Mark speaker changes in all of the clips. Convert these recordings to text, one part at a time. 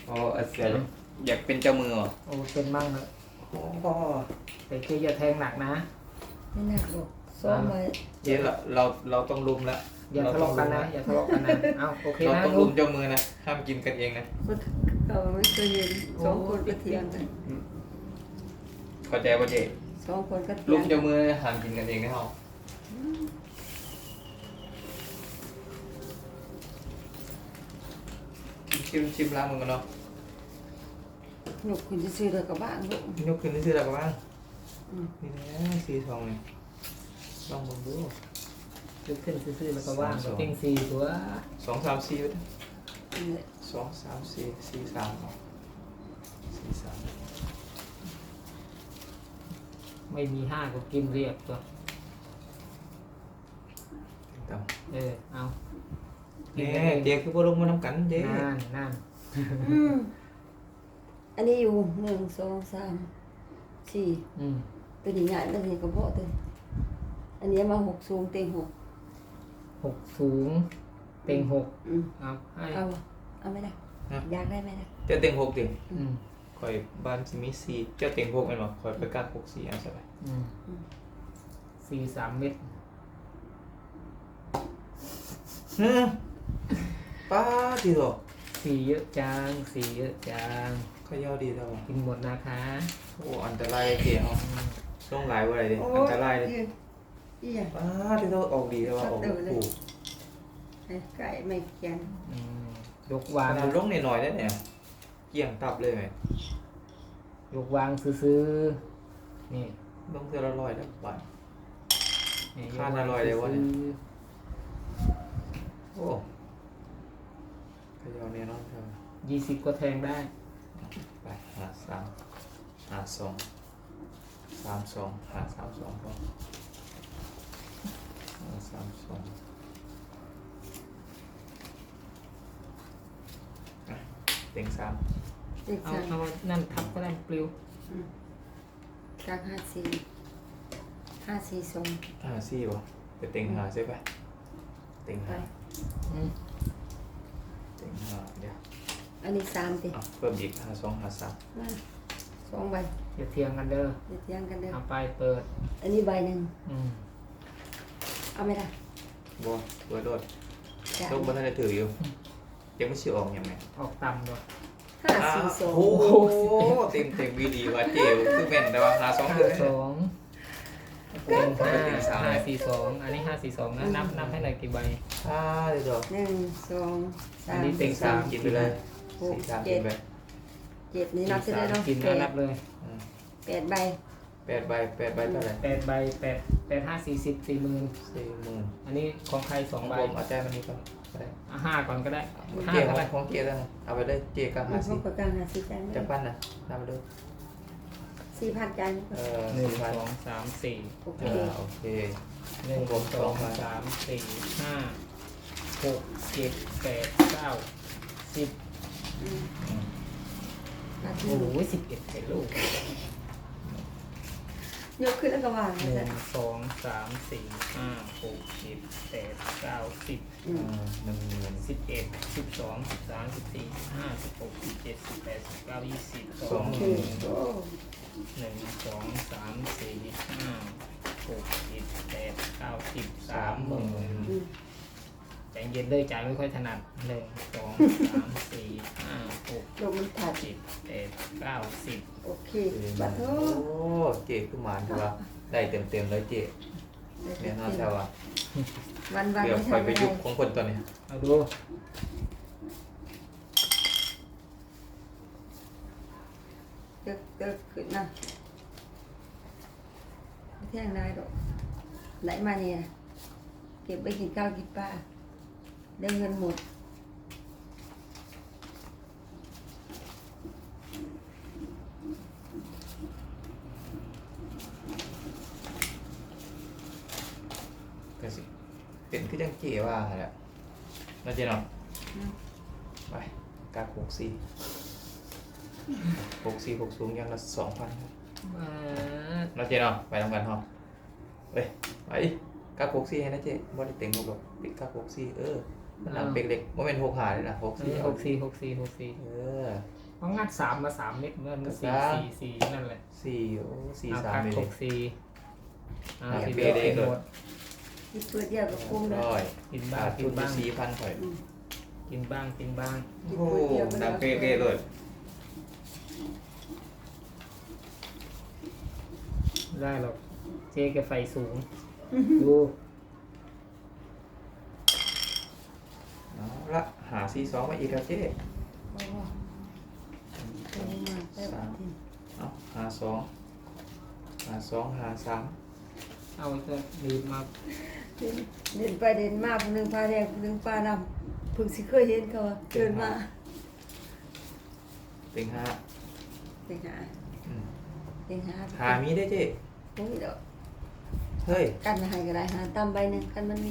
Speaker 1: อ๋อเสียอยากเป็นเจ้ามือเหรอ
Speaker 2: โอ้เป็นมั่งเลย
Speaker 1: โอ้
Speaker 2: แต่เจ๊อย่าแทงหนักนะ
Speaker 3: ไม่หนักหรอกซ้อมมา
Speaker 1: เจ๊เราต้องลุมแล้ว
Speaker 2: อย่าทะเลาะกันนะอย่าทะเลาะกันนะเอาโอเค
Speaker 1: เรา
Speaker 2: นะ
Speaker 1: ต้อง
Speaker 2: ลุ
Speaker 1: ลุ
Speaker 2: ง
Speaker 1: มเจ้ามือนะห้ามกินกันเองนะ
Speaker 3: เราไม่เคยเห็นสองคนก็เถียงกัน
Speaker 1: เข้าใจป่ะเจ๊
Speaker 3: สองคนก็เถี
Speaker 1: ลุ
Speaker 3: ย
Speaker 1: ม
Speaker 3: ง
Speaker 1: เจ้ามือห้ามกินกันเองนะเฮาชิมล้างมือกันเนาะ
Speaker 3: หนุกคุณจะซื้อเลยกับบ้านลูก
Speaker 1: ยกขึ้นนี่ซื้ออะไรกันบ้าง
Speaker 3: อืม
Speaker 1: นี่นะสีทองนี่ลองมึงดู
Speaker 2: ลุกขึ้นซื่อๆแล้วก็ว่างเต็งสี่ตัว
Speaker 1: สองสามสี่
Speaker 3: นี่แหละ
Speaker 1: สองสามสี่สี่สามสี่สาม
Speaker 2: ไม่มีห้าก็กินเรียบตัว
Speaker 1: ต่
Speaker 2: เอา
Speaker 1: ำเนี่ยเจ๊คือบ่ลงมาน้ำกันเจ๊
Speaker 2: นั่น
Speaker 3: อืมอันนี้อยู่หนึ่งสองสามสี่
Speaker 2: อืม
Speaker 3: ตัวนี้ใหญ่ตัวนี้กระเพาะตัวนี้อันนี้มาหกสูงเต็งหก
Speaker 2: หกสูงเต็งหก
Speaker 3: อืม
Speaker 2: เอาให้
Speaker 3: เอาไม่ได้อยากได้ไหมล่ะ
Speaker 1: เจ้าเต็งหกดิ
Speaker 2: อืม
Speaker 1: คอยบ้านสิมีสี่เจ้าเต็งหกเอ็นบ่คอยไปกักหกสี่อันสบาย
Speaker 2: อืมสี่สามเม็ด
Speaker 1: ป้าดีหรอ
Speaker 2: สี่เยอะจังสี่เยอะจัง
Speaker 1: ขย่อดีแล้ว
Speaker 2: กินหมดนะคะ
Speaker 1: โอ้อันตรายเจ๊เฮาต้องหลายว่าอะไรดิ
Speaker 3: โอ้
Speaker 1: อันตรายเลย
Speaker 3: อีหยัง
Speaker 1: ป้าที่เราออกดีแล้วว่าออกถูก
Speaker 3: ไก่ไม่เกียน
Speaker 2: อืมยก
Speaker 1: วาว
Speaker 2: าง
Speaker 1: งลงหน่อยๆได้เนี่ยเกี่ยงตับเลยไหม
Speaker 2: ยกวางซื้อๆนี่
Speaker 1: ลงเท่าละร้อยแล้วบาท
Speaker 2: นี่
Speaker 1: คาดอร่อยเลยวะเนี่ย
Speaker 2: ซื้อ
Speaker 1: โอ้ขย่อเนี่ยน้องเธอ
Speaker 2: 20ก็แทงได้
Speaker 1: ไปหาสามหาสองสามสองหาสามสองพอหาสามสองอ่ะเต็งสาม
Speaker 3: เด็ก
Speaker 2: เอา
Speaker 3: สาม
Speaker 2: เอานั่นทับก็ได้ปลิว
Speaker 3: กลางห้าสี่ห้าสี่สอง
Speaker 1: หาสี่ป่ะไปเต็งหาใช่ปะเต็ง
Speaker 3: ไป
Speaker 1: หา
Speaker 2: อืม
Speaker 1: เต็งหาเดี๋ยว
Speaker 3: อันนี้สามติ
Speaker 1: อ่ะเพิ่มอีกหาสองหาสาม
Speaker 3: มาสองใบ
Speaker 2: อย่าเทียงกันเด้อ
Speaker 3: เดี๋ยวเที่ยงกันเด้อ
Speaker 2: เอาไปเปิด
Speaker 3: อันนี้ใบหนึ่ง
Speaker 2: อืม
Speaker 3: เอาไหมล่ะ
Speaker 1: บัวบัวโดด
Speaker 3: จะ
Speaker 1: ลูกมันน่าจะถืออยู่ยังไม่เชื่อออกยังไง
Speaker 2: ออกต่ำด้วย
Speaker 3: ห้าสี่สอง
Speaker 1: โอ้โหเต็มวีดีว่าเจ๋วคือแม่นแต่ว่าหาสองถือ
Speaker 2: สองเต็ง
Speaker 1: ก็
Speaker 2: ห้า
Speaker 1: เป็นเต็งสาม
Speaker 2: 542อันนี้542นะนับให้หน่อยกี่ใบ
Speaker 1: เดี๋ยว
Speaker 3: หนึ่งสองสา
Speaker 2: อัน
Speaker 3: ม
Speaker 2: นี้เต็งสาม
Speaker 1: กินไปเลยสี่สามกินไป
Speaker 3: เจ็ดนี่นับจะได้เนาะ
Speaker 2: กิน
Speaker 3: แป
Speaker 2: แล้ว
Speaker 3: ด
Speaker 2: นับเลย
Speaker 1: อืม
Speaker 3: แปดใบ
Speaker 1: 8 ใบเท่าไหร่
Speaker 2: 8 ใบ8 5 40 40,000
Speaker 1: 40,000
Speaker 2: อันนี้ของใคร
Speaker 1: ของ
Speaker 2: 2 ใบ
Speaker 1: ผมเอาใจมันนี่ก่อนก็ได้
Speaker 2: 5ก่อนก็ได้
Speaker 1: เจ๊
Speaker 2: 5ก็ได้
Speaker 1: ของเจ๊แล้วนะเอาไปเลยเจ๊กับ
Speaker 3: มัน
Speaker 1: 50
Speaker 3: พวกประกันหาสี่ใจไม่
Speaker 1: จะปั้นนะนำไปเลย
Speaker 3: 4,000ใจาย
Speaker 2: หนึ่ง
Speaker 1: 4,000
Speaker 2: สองสามสี่
Speaker 3: โอเค
Speaker 1: โอเค
Speaker 2: หนึ่ง
Speaker 1: ผม
Speaker 2: สอง
Speaker 1: 2 ใบ
Speaker 2: สามสี่ห้าหกเจ็ดแปดเก้าสิบ
Speaker 3: อืม
Speaker 1: อืม
Speaker 3: มาที่
Speaker 2: โอ้โห11เป็นลูก
Speaker 3: ยกขึ้นแล้วก็วาง
Speaker 2: ห
Speaker 3: นะ
Speaker 2: นึ่
Speaker 3: จ๊ะ
Speaker 2: งสองสามสี่ห้าหกเจ็ดแปดเก้าสิบ
Speaker 3: อืม
Speaker 1: 10,000
Speaker 2: 11 12 13 14 15 16 17 18 19 20
Speaker 3: โอเคโอ้
Speaker 2: หนึ่งสองสามสี่ห้าหกเจ็ดแปดเก้าสิบ30,000
Speaker 3: อืม
Speaker 2: ใจเย็นเลยจ่ายไม่ค่อยถนัดหนึ่งสองสามสี่ห้าหก
Speaker 3: ลงมันถัด
Speaker 2: เจ็ดแปดเก้าสิบ
Speaker 3: โอเคบัตรโท
Speaker 1: โอ้เจ๊คือหมานคือว่าได้เต็มเลยเจ๊เนี่ยน่าจะว่า
Speaker 3: วัน
Speaker 1: เดี๋ยว
Speaker 3: ไม่
Speaker 1: คอย
Speaker 3: ทำ
Speaker 1: ไป
Speaker 3: อะไร
Speaker 1: ยุบของคนตัวนี้
Speaker 2: เอาดู
Speaker 3: เติกขึ้นนะไม่เที่ยงนายดอกไหนมาเนี่ยเก็บไปกินข้าวกินปลาได้เงินหมด
Speaker 1: ก็สิเป็นคือจังเจ๊ว่าแหละน่าจะเนาะ
Speaker 3: อืม
Speaker 1: ไปกาก64สูงยังละ2,000ครับ
Speaker 2: มา
Speaker 1: น่าจะเนาะไปทำกันเนาะเฮ้ยไปกาก64ให้นะเจ๊บ่ได้เต็งหกหรอกติดกาก64 หลังเป็กเล็กว่าเป็นหกหาเลยนะหก
Speaker 2: อัน
Speaker 1: สี่
Speaker 2: นี้หกสี่หกสี่หกสี่
Speaker 1: เออ
Speaker 2: เพราะงัดสามมา3 เม็ดเมื่อมันสี่
Speaker 1: ครับ
Speaker 2: สี่สี่นั่นแหละ
Speaker 1: สี่โอ้สี่
Speaker 2: เอา
Speaker 1: สาม
Speaker 2: พัก
Speaker 1: เลย
Speaker 2: หกสี่เอา
Speaker 1: อยาก
Speaker 2: ที่
Speaker 1: เป
Speaker 2: เบ
Speaker 1: ย์
Speaker 2: ส
Speaker 1: เลย
Speaker 2: หมด
Speaker 3: ที่เปิดเดียวกับกุ้งเลย
Speaker 1: ร้อย
Speaker 2: กินบ้า
Speaker 1: บาง ท
Speaker 2: กิ
Speaker 1: ทุ
Speaker 2: น
Speaker 1: น
Speaker 2: บ้าง
Speaker 1: 4,000ข่อย
Speaker 2: กินบ้างกินบ้าง
Speaker 1: โอ้ดังเป๊ะๆเลย
Speaker 2: ได้หรอกเจ๊แกไฟสูงดู
Speaker 1: เอาละหาซีสองมาอีกแล้วเจ๊
Speaker 3: โอ้โหโอ้มาแต่ว่าที่
Speaker 1: เอาหาสองหาสองหาสาม
Speaker 2: เอาจะดีดมา
Speaker 3: เดินไปเดินมาผู้หนึงพาแดงผู้หนึงพาดำเพิ่งสิเคยเห็นเขาว่าเดินมา
Speaker 1: เต็งห้า
Speaker 3: เต็งหา
Speaker 1: อืม
Speaker 3: เต็งหา
Speaker 1: หามีได้เจ๊
Speaker 3: โอ้ยเดี๋ยว
Speaker 1: เฮ้ย
Speaker 3: กันให้ก็ได้หาตำใบหนึงกันมันมี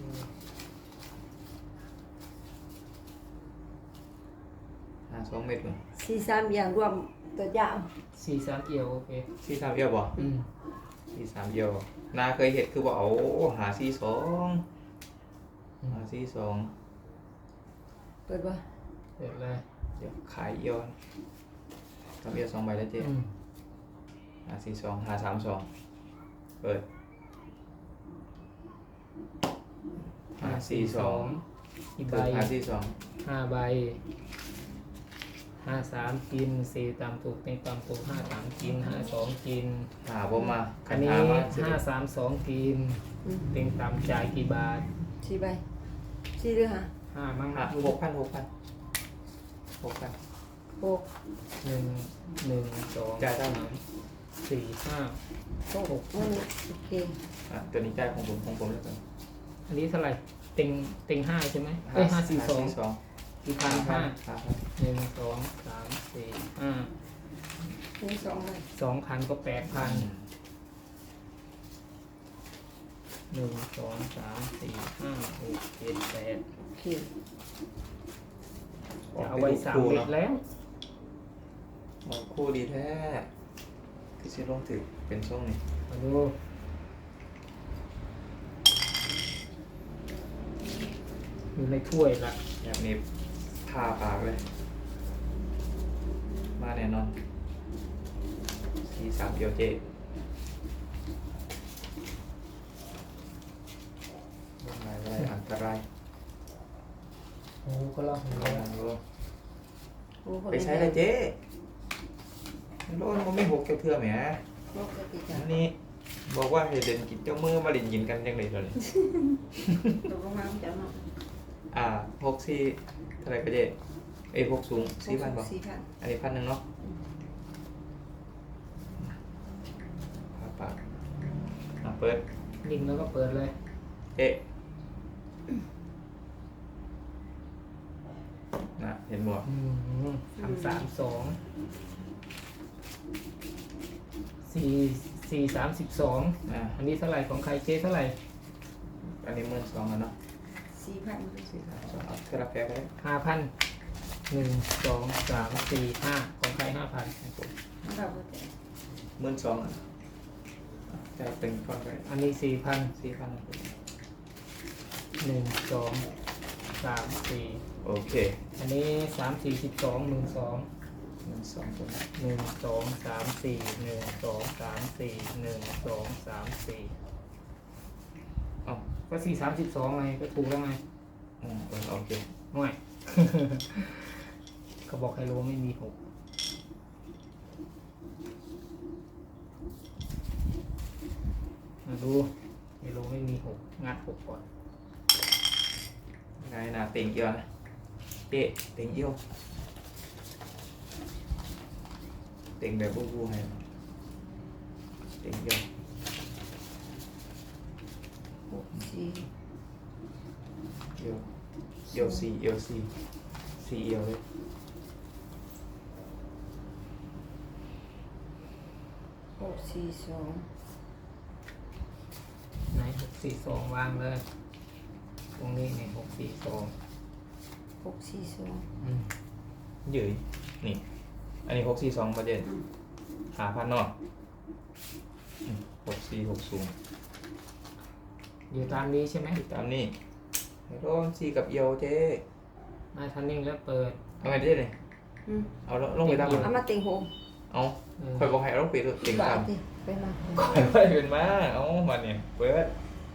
Speaker 1: หาสองเม็ดก่อน
Speaker 3: 4-3อย่างรวมตัวยาว
Speaker 2: สี่สามเอียวโอเค
Speaker 1: ซีสามเอียวบ่
Speaker 2: อืม
Speaker 1: ซีสามเอียวนาเคยเห็นคือบอกเอาหาซีสองหาซีสอง
Speaker 3: เปิดบ่
Speaker 2: เสร็จเลย
Speaker 1: เดี๋ยวขายเอียวทำเอียว2 ใบแล้วเจ๊
Speaker 2: อืม
Speaker 1: หาซีสองหา32เปิดหาซีสอง
Speaker 2: อีกใบ
Speaker 1: เปิดหาซีสอง
Speaker 2: 5 ใบ53กิน4ตามถูกในตามถูก53กิน52กิน
Speaker 1: หาบ่มา
Speaker 2: อันนี้
Speaker 1: หามาสิ
Speaker 2: 532กิน
Speaker 3: อืม
Speaker 2: เต็งตามจ่ายกี่บาท
Speaker 3: 4 ใบ4หรือ
Speaker 2: 5มั้ง
Speaker 1: หา6,000
Speaker 3: หก
Speaker 2: 1 2
Speaker 1: จ่ายได้ไหม
Speaker 2: 3 4 5
Speaker 3: หกโอเค
Speaker 1: อ่ะตัวนี้จ่ายของผมแล้วกัน
Speaker 2: อันนี้เท่าไหร่เต็ง5ใช่ไหมเอ้ย542 กี่พันห้า 1 2 3 4 5
Speaker 3: นี่2ใบ
Speaker 2: 2,000ก็8,000 1 2 3 4 5 6 7 8
Speaker 3: โอเค
Speaker 2: จะเอาไว้3 เม็ดแล้ว
Speaker 1: คู่ดีแท้ที่ชื่อลงถือเป็นช่วงนี้
Speaker 2: มาดูอยู่ในถ้วยละ
Speaker 1: แบบนี้ทาปากเลย มาแน่นอน4-3เอียวเจอะไรอันตราย
Speaker 2: โอ้ก็ลอง
Speaker 1: ลองดู
Speaker 3: โอ้
Speaker 1: ไปใช้เลยเจ๊โลนมันไม่หกเกี่ยวเทื่อแหม
Speaker 3: ปกติจ้ะ
Speaker 1: อันนี้บอกว่าให้เด่นกินเจ้ามือมาเล่นยินกันยังไงเลย
Speaker 3: ตกลงมาจะมา
Speaker 1: 64เท่าไหร่ก็เจ๊เอ้ย6สูง4,000บ่
Speaker 3: 4,000
Speaker 1: อันนี้1,000เนาะปากเปิด
Speaker 2: นิ่งแล้วก็เปิดเลย
Speaker 1: เอ๊ะนะเห็นบ่
Speaker 2: 332 4 32
Speaker 1: อ่ะ
Speaker 2: อันนี้เท่าไหร่ของใครเจ๊เท่าไหร่
Speaker 1: อันนี้12,000แล้วเนาะ
Speaker 3: 4,000
Speaker 1: 4,200เอาเท่าไรแพ้ก็ได้
Speaker 2: 5,000 1 2 3 4 5ของใคร 5,000
Speaker 3: เราบ่ได้
Speaker 1: 12,000อ่ะจะเป็นก้อนไป
Speaker 2: อันนี้ 4,000
Speaker 1: 4,000
Speaker 2: 1 2 3 4
Speaker 1: โอเค
Speaker 2: อันนี้3 4 12 1 2
Speaker 1: 12ตัวนี้
Speaker 2: 1 2 3 4 1 2 3 4 1 2 3 4อ๋อก็4 32ไงก็ถูกแล้วไง
Speaker 1: โอเค
Speaker 2: ห่วย เขาบอกไฮโลไม่มี6มาดูไฮโลไม่มี6งัด6ก่อน
Speaker 1: ไงนะเต็งเอียวนะเตะเต็งเอียวเต็งแบบบูให้เต็งเอียว
Speaker 3: 6
Speaker 1: เอียวเอียว4เอียว4 4เอียวเลย
Speaker 3: 4 6 4 2
Speaker 2: ไหน642วางเลย ตรงนี้เนี่ย642
Speaker 3: 6 4 2
Speaker 1: ยืยนี่ อันนี้642ประเด็น5,000เนาะ6460
Speaker 2: อยู่ตามนี้ใช่ไหม
Speaker 1: ตามนี้โดนซีกับเอียวเจ๊
Speaker 2: มาทันนิ่งแล้วเปิด
Speaker 1: เอาไงเจ๊เลย
Speaker 3: อืม
Speaker 1: เอาลงไปตาม
Speaker 3: เอามาเต็งหง
Speaker 1: เอา
Speaker 2: เออ
Speaker 1: คอยบอกให้เอาลงไปเต็ง
Speaker 3: บา
Speaker 1: ตา
Speaker 3: ท
Speaker 1: ม
Speaker 3: สิไปมา
Speaker 1: คอยไปเป็นมาเอามาเนี่ยเปิด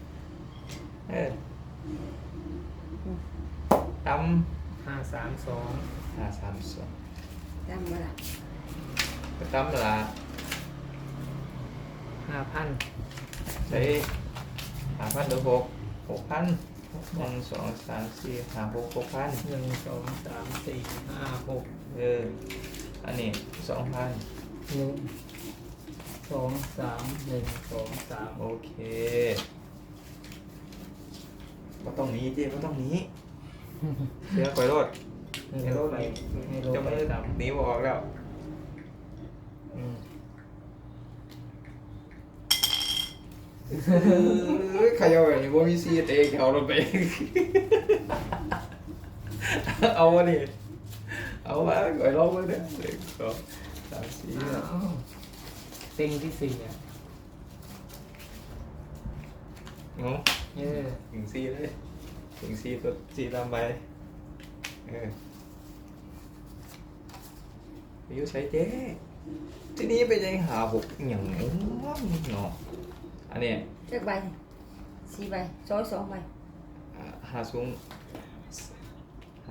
Speaker 1: ตำ
Speaker 2: 532
Speaker 1: 532
Speaker 3: จำมาละ
Speaker 1: ไปตำละ
Speaker 2: 5,000
Speaker 1: ใช้5,000หรือ6,000 1 2 3 4 5 6 6,000
Speaker 2: 1 2 3 4 5 6
Speaker 1: อันนี้2,000
Speaker 2: 1 2 3 1 2 3
Speaker 1: โอเคก็ต้องหนี้เจ๊ก็ต้องหนี้เสียคอยรถ
Speaker 2: ให้ลดไปให้ลด
Speaker 1: จะ
Speaker 2: ไป
Speaker 1: ไม่
Speaker 2: ต่ำ
Speaker 1: หนีบอกแล้ว
Speaker 2: อืม
Speaker 1: ขยาแบบนี้ว่ามีซีเตะเขาลงไป เอาวะนี่เอาวะก่อยลองมาเด้อ1 2 3 4
Speaker 2: อ้าวเต็งที่สี่อ่ะ
Speaker 1: งง
Speaker 2: เออ
Speaker 1: ถึงซีเลยถึงซีตัวซีตามไปอายุใช้เจ๊ที่นี้ไปยังหาหกอย่างเนาะอันนี้
Speaker 3: เลือกใบสี่ใบซอย2ใบ
Speaker 1: หาสูง
Speaker 2: 60
Speaker 1: ห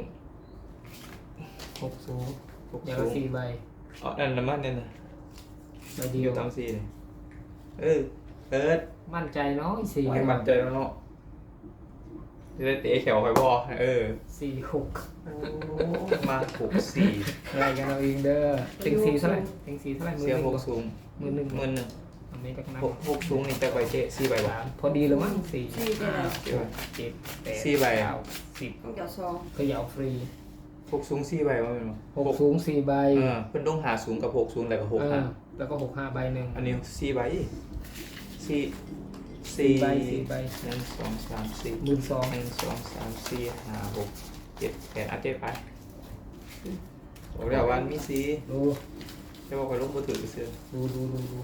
Speaker 1: ก
Speaker 2: อย่าง
Speaker 1: สู
Speaker 2: ละ
Speaker 1: ง
Speaker 2: 4 ใบ
Speaker 1: อ๋อนั่นน้ำมันเนี่ยนะ
Speaker 2: ใบเดี
Speaker 1: อ
Speaker 2: ยว
Speaker 1: ยู่ตามซีเลยเปิด
Speaker 2: มั่นใจเนาะอีกสี่
Speaker 1: ไว้มันใจแล้วเนาะจะได้เตะแขวไปบ่
Speaker 2: 4 6
Speaker 1: โอ้มา64
Speaker 2: อะไรกันเราเองเด้อเต็ง4เท่าไหร่เต็ง4เท่าไหร่มือ
Speaker 1: เสีย
Speaker 2: หนึ่ง
Speaker 1: หก
Speaker 2: กว่า
Speaker 1: สูง
Speaker 2: มือหนึ่ง
Speaker 1: หมื่นหนึ่ง
Speaker 2: อันนี้จากนั้น
Speaker 1: หกสูงนี่จะไปเจ๊4ใบบ่
Speaker 2: พอดีเลยมั้ง4
Speaker 3: สี่ได้แล้ว
Speaker 2: 5 6 7 8
Speaker 1: สี่ใบ
Speaker 2: 9 10
Speaker 3: ต้องเดี๋ยวซอง
Speaker 2: เขย่าฟรี
Speaker 1: หกสูง4ใบว่าเป็นบ่
Speaker 2: 6สูง4 ใบ
Speaker 1: เพิ่นต้องหาสูงกับ6สูงแล้วก็6
Speaker 2: เอ
Speaker 1: หา
Speaker 2: อแล้วก็6 5 ใบหนึ่ง
Speaker 1: อันนี้4ใบ4
Speaker 2: 4 ใบ 4 ใบ
Speaker 1: 1 2 3 4
Speaker 2: 12,000
Speaker 1: 1 2 3 4 5 6 7 8อัดเจ็ดไปบอกแล้ววันมีสี่
Speaker 2: ดู
Speaker 1: จะบอกไปลงมือถือเสื้อ
Speaker 2: ดู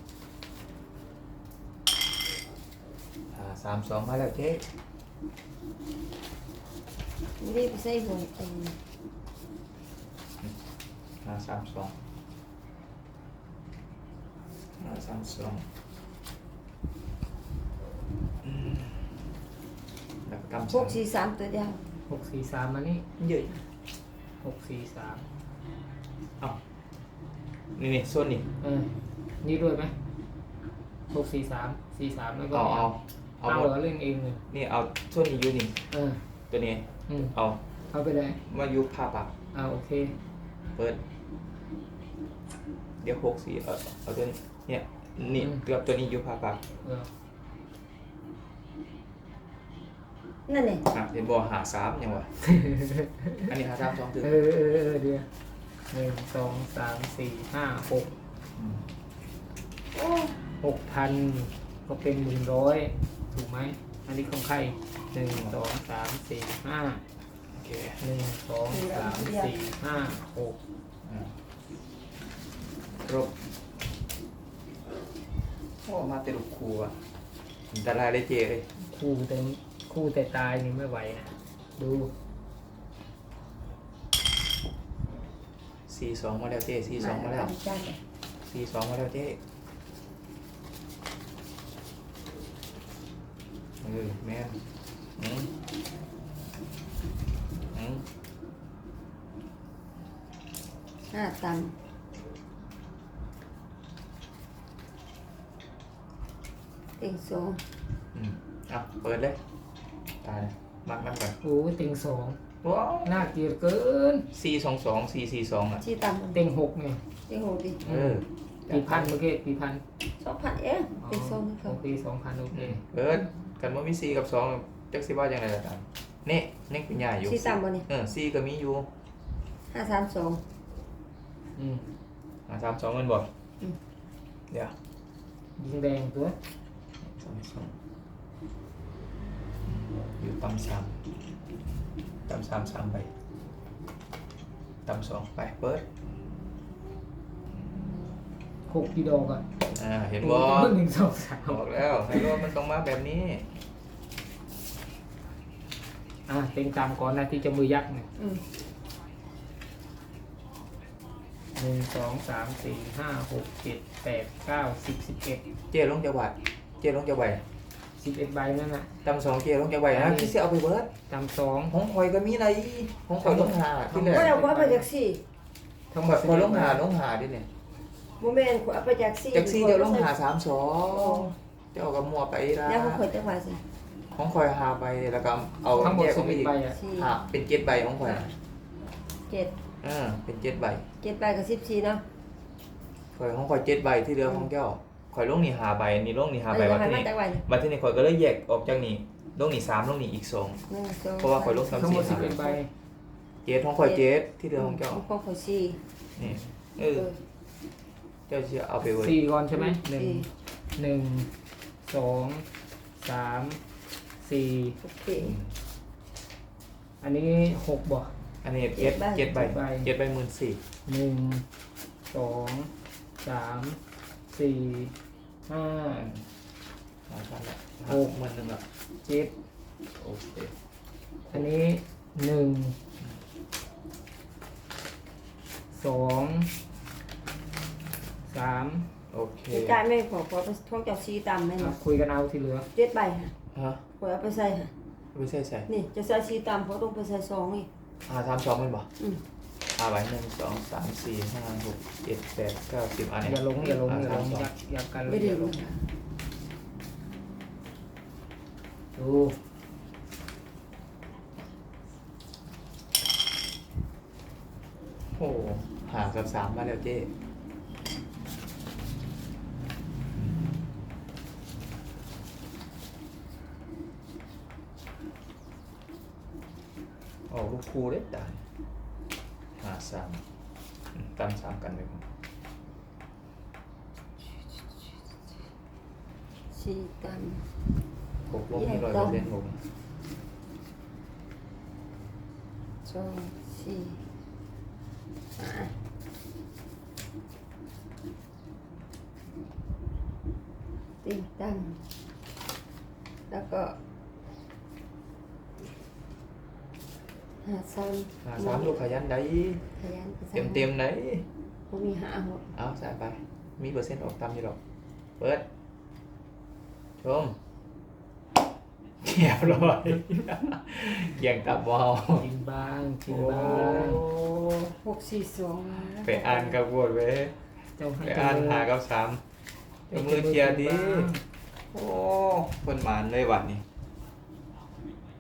Speaker 1: 32มาแล้วเจ๊
Speaker 3: ไม่ได้ไปใส่หวยเต็ง
Speaker 1: 32แล้วก็กำ
Speaker 3: พวก43ตัวเดียว
Speaker 2: 643มานี่
Speaker 1: เยอะ
Speaker 2: 643
Speaker 1: เอ้านี่ส่วนนี่
Speaker 2: นี่ด้วยไหม643 43แล้วก็
Speaker 1: เอา
Speaker 2: เอา
Speaker 1: หม
Speaker 2: เห
Speaker 1: ด
Speaker 2: รอเล่นเองเลย
Speaker 1: นี่เอาส่วนนี้อยู่นี่
Speaker 2: เออ
Speaker 1: ตัวนี้ เอา
Speaker 2: เอาไปเลย
Speaker 1: มาอยู่ผ้าปาก
Speaker 2: โอเค
Speaker 1: เปิด เดี๋ยว64เอาตัวนี้เนี่ยนี่เกือบตัวนี้อยู่ผ้าปาก
Speaker 2: เออ
Speaker 3: นั่นเอง
Speaker 1: เห็นบ่หา3ยังวะ อันนี้หา3 2ถึง
Speaker 2: เดี๋ยว1 2 3 4 5 6
Speaker 3: โอ้
Speaker 2: 6,000ก็เป็น100ถูกไหมอันนี้ของใคร1 2 3 4 5
Speaker 1: โอเค
Speaker 2: 1 2 3 4 5 6
Speaker 1: ครบโอ้มาเตลุกครูอ่ะแต่ลายได้เจเลย
Speaker 2: คู่แต่ตายนี่ไม่ไหวนะดู
Speaker 1: 42มาแล้วเจ42มาแล้ว
Speaker 3: จ้า
Speaker 1: 42มาแล้วเจแม่น
Speaker 3: 5ตังค์เต็งสอง
Speaker 1: เปิดเลยตายมักนั่นก่อน
Speaker 2: โอ้ยเต็ง2
Speaker 1: ว้าว
Speaker 2: น่าเกลียดเกิน
Speaker 1: 422 442อ่ะ
Speaker 3: สี่ตังค์
Speaker 2: เต็ง6เนี่ย
Speaker 3: เต็งหกดิ
Speaker 2: กี่พันเมื่อกี้กี่พัน
Speaker 3: 2,000เองเต็งสองนี่เขา
Speaker 2: โอเค2,000โอเค
Speaker 1: เปิดกันว่ามี4กับ2จักสิว่าจังไดล่ะตามนี่ยังเป็นใหญ่อยู่
Speaker 3: สี่ตังค์บ่นี่
Speaker 1: 4ก็มีอยู่
Speaker 3: 532
Speaker 1: 32มันบ่เดี๋ยว
Speaker 2: ยิงแดงตัว
Speaker 1: 32อยู่ต่ำ3ไปต่ำ2ไปเปิด
Speaker 2: 6กี่ดอกอ่ะ
Speaker 1: เห็นบ่
Speaker 2: 1 2 3
Speaker 1: บอกแล้วไฮโลมันต้องมาแบบนี้
Speaker 2: เต็งตามก่อนนะที่จะมือยักษ์เนี่ย 1 2 3 4 5 6 7 8 9 10 11
Speaker 1: เจ๊ลงจะไหวเจ๊ลงจะไหว
Speaker 2: 11ใบนั่นน่ะ
Speaker 1: ตำสองเจ๊ลงจะไหวนะที่เสียเอาไปเบิร์ด
Speaker 2: ตามสอง
Speaker 1: ของคอยก็มีอะไรของคอยลงหาที่แร
Speaker 3: ก็
Speaker 1: ก
Speaker 3: เอาไปจากสี่
Speaker 1: ทั้งหมดคอยลงหาดิเนี่ย
Speaker 3: โมเมนต์เอาไปจากสี่
Speaker 1: จากซี่เดี๋ยวลงหา32เจ้าก็มัวไปละ
Speaker 3: แล้วเขาเคยจังหวะสิ
Speaker 1: ของคอยหาไปแล้วก็เอา
Speaker 2: ทั้งหมด
Speaker 1: แยกออกไปอี
Speaker 2: 11
Speaker 1: ก
Speaker 2: ใบอ่ะ
Speaker 3: สี่
Speaker 1: หาเป็น7 ใบของคอย
Speaker 3: เจ็ด
Speaker 1: เป็น7 ใบ
Speaker 3: เจ็ดใบกับ14เนาะ
Speaker 1: คอยของคอย7 ใบที่เหลือของเจ้าคอยลงนี่หาใบนี่ลงนี่หาใบ
Speaker 3: แล้ว
Speaker 1: วั
Speaker 3: จะ
Speaker 1: น
Speaker 3: ให้
Speaker 1: ที่
Speaker 3: มัน
Speaker 1: นี่
Speaker 3: จังหวะนี่
Speaker 1: วันที่นี่คอยก็เลยแยกออกจากนี่ลงนี่3ลงนี่อีก2
Speaker 3: 1 2
Speaker 1: เพราะว่าข่อยลง
Speaker 2: ทั้งหมด11ใบ
Speaker 1: เจ็ดของคอยเจ็ดที่เหลือของเจ้า
Speaker 3: ของข่อยสี่
Speaker 1: นี่เจ้าจะเอาไปไว้
Speaker 2: 4ก่อนใช่ไหมหนึ่ง
Speaker 3: สี่
Speaker 2: หนึ่งสองสามสี่
Speaker 3: โอเค
Speaker 2: อันนี้6บ่
Speaker 1: อันนี้
Speaker 3: เจ็ดใบ
Speaker 1: 7 ใบ
Speaker 2: 7 ใบ
Speaker 1: 7 ใบ14,000
Speaker 2: 1 2 3 4 5
Speaker 1: มาทันละ
Speaker 2: หก
Speaker 1: 10,000ละ
Speaker 2: 7
Speaker 1: โอเค
Speaker 2: อันนี้1 2 3
Speaker 1: โอเค
Speaker 3: จ่ายไม่พอท้องเจ้าซีตำไหม
Speaker 2: อ่ะ
Speaker 3: เนาะ
Speaker 2: คุยกันเอาที่เหลือ
Speaker 3: เจ็ดใบค่ะ
Speaker 1: ฮะ
Speaker 3: ข่อยเอาไปใส่ค่ะ
Speaker 1: ไม่ใช่ใส่
Speaker 3: นี่จะใส่ซีตำเขาต้องไปใส่ซองนี่
Speaker 1: 32มันบ่
Speaker 3: อืม
Speaker 1: ไว้1 2 3 4 5 6 7 8 9 10อันนี้
Speaker 2: อย่าลงอย่าลง
Speaker 1: อ่
Speaker 2: อย่าลง
Speaker 1: 32
Speaker 2: ยักกันเล
Speaker 3: ไม่
Speaker 2: ย
Speaker 3: ได้
Speaker 2: อย่าล
Speaker 3: รู้
Speaker 2: ง
Speaker 3: ค่ะ
Speaker 2: ดู
Speaker 1: โอ้หากับ3มาแล้วเจ้โอ้ลูกครูเด็ดได้หา3ตำ3กันเลยผม
Speaker 3: ซีต
Speaker 1: หกลงที่100%ผม
Speaker 3: ำสองสี่ห้าติงตั้งแล้วก็หาซ้ำ
Speaker 1: หา3ลูกขยันได้
Speaker 3: ขยัน
Speaker 1: เต็มไหน
Speaker 3: ผมมีหาหมด
Speaker 1: เอาใส่ไป มีเปอร์เซ็นต์ออกตามอยู่หรอก เปิด ชมเรียบร้อยเกี่ยงตับวาว
Speaker 2: กินบ้างกิน
Speaker 1: โอ้
Speaker 2: บ้าง
Speaker 3: 642
Speaker 1: ไปอ่านกับวดเว้ย
Speaker 2: เจ้าให้
Speaker 1: ไปอ่านหากับ3เจ้ามือเทียร์ดี โอ้คนหมานเลยวันนี้